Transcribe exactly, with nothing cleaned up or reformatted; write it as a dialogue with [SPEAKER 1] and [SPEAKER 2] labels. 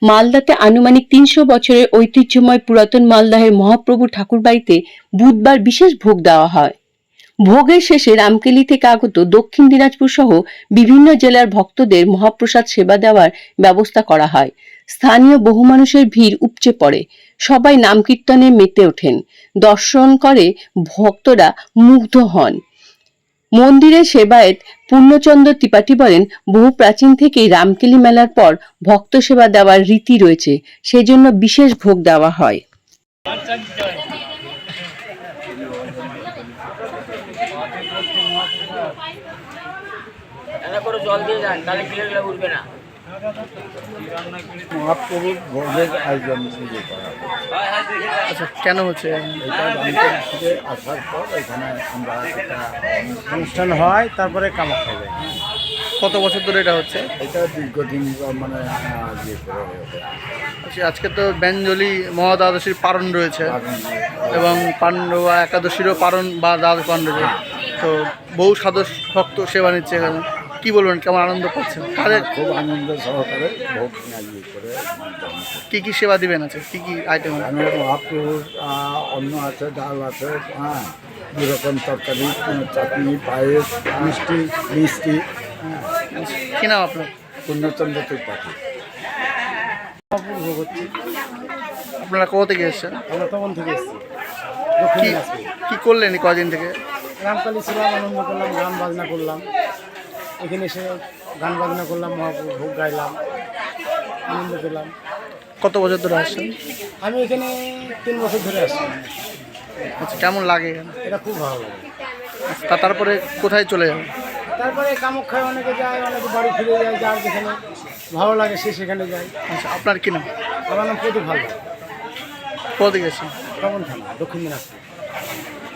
[SPEAKER 1] মালদাতে আনুমানিক তিনশো বছরের ঐতিহ্যময় পুরাতন মালদহের মহাপ্রভু ঠাকুরবাড়িতে বুধবার বিশেষ ভোগ দেওয়া হয়। ভোগের শেষে রামকেলি থেকে আগত দক্ষিণ দিনাজপুর সহ বিভিন্ন জেলার ভক্তদের মহাপ্রসাদ সেবা দেওয়ার ব্যবস্থা করা হয়। স্থানীয় বহু মানুষের ভিড় উপচে পড়ে, সবাই নাম কীর্তনে মেতে ওঠেন, দর্শন করে ভক্তরা মুগ্ধ হন। মন্দিরের সেবায়েত পূর্ণচন্দ্র ত্রিপাঠী বলেন, বহু প্রাচীন থেকেই রামকেলি মেলার পর ভক্ত সেবা দেওয়ার রীতি রয়েছে, সেজন্য বিশেষ ভোগ দেওয়া হয়।
[SPEAKER 2] মহাপ্রভুর ভোগের আয়োজন নিজে করা হবে।
[SPEAKER 3] আচ্ছা, কেন হচ্ছে
[SPEAKER 2] এটা রামপুর থেকে আসার পর এখানে আমরা একটা অনুষ্ঠান হয়, তারপরে কামাখ্যা যায়।
[SPEAKER 3] কত বছর ধরে এটা হচ্ছে?
[SPEAKER 2] এটা দীর্ঘদিন মানে আহ, ইয়ে করে হবে।
[SPEAKER 3] আচ্ছা, আজকে তো ব্যঞ্জলি মহাদ্বাদশীর পারণ রয়েছে এবং পাণ্ডবা একাদশীরও পারণ বা দ্বাদশ পারণ রয়েছে, তো বহু সাধু ভক্ত সেবা নিচ্ছে এখানে। কি বলবেন, কেমন আনন্দ পাচ্ছেন? তাদের
[SPEAKER 2] খুব আনন্দ সহকারে ভোগ ইয়ে করে
[SPEAKER 3] কি কি সেবা দিবেন? আছে কি কি আইটেম?
[SPEAKER 2] এখানে মহাপ্রভুর আহ, অন্ন আছে, ডাল আছে, হ্যাঁ, দু রকম তরকারি, চাটনি, পায়েস, মিষ্টি মিষ্টি হ্যাঁ।
[SPEAKER 3] কি নাম আপনার?
[SPEAKER 2] পূর্ণচন্দ্র ত্রিপাঠী।
[SPEAKER 4] ভোগ হচ্ছে।
[SPEAKER 3] আপনারা কোথা থেকে এসেছেন?
[SPEAKER 4] আমরা তখন থেকে এসেছি
[SPEAKER 3] কি কি করলেন এই কদিন থেকে?
[SPEAKER 4] রামকালী ছিলাম, আনন্দ করলাম, গান বাজনা করলাম। এখানে এসে গান বাজনা করলাম, মহাপ্রভু ভোগ গাইলাম, আনন্দ পেলাম।
[SPEAKER 3] কত বছর ধরে আসছেন?
[SPEAKER 4] আমি এখানে তিন বছর ধরে আসছি।
[SPEAKER 3] আচ্ছা, কেমন লাগে এখানে?
[SPEAKER 4] এটা খুব ভালো লাগে।
[SPEAKER 3] তা তারপরে কোথায় চলে যাবেন?
[SPEAKER 4] তারপরে কামাখ্যায় অনেকে যায়, অনেকে বাড়ি ফিরে যায়, যার যেখানে ভালো লাগে সে সেখানে যায়।
[SPEAKER 3] আচ্ছা, আপনার কি নাম?
[SPEAKER 4] আমার নাম প্রদীপ ভালো,
[SPEAKER 3] কোথা থেকে এসেছেন?
[SPEAKER 4] তখন থানা, দক্ষিণ দিনাজপুর।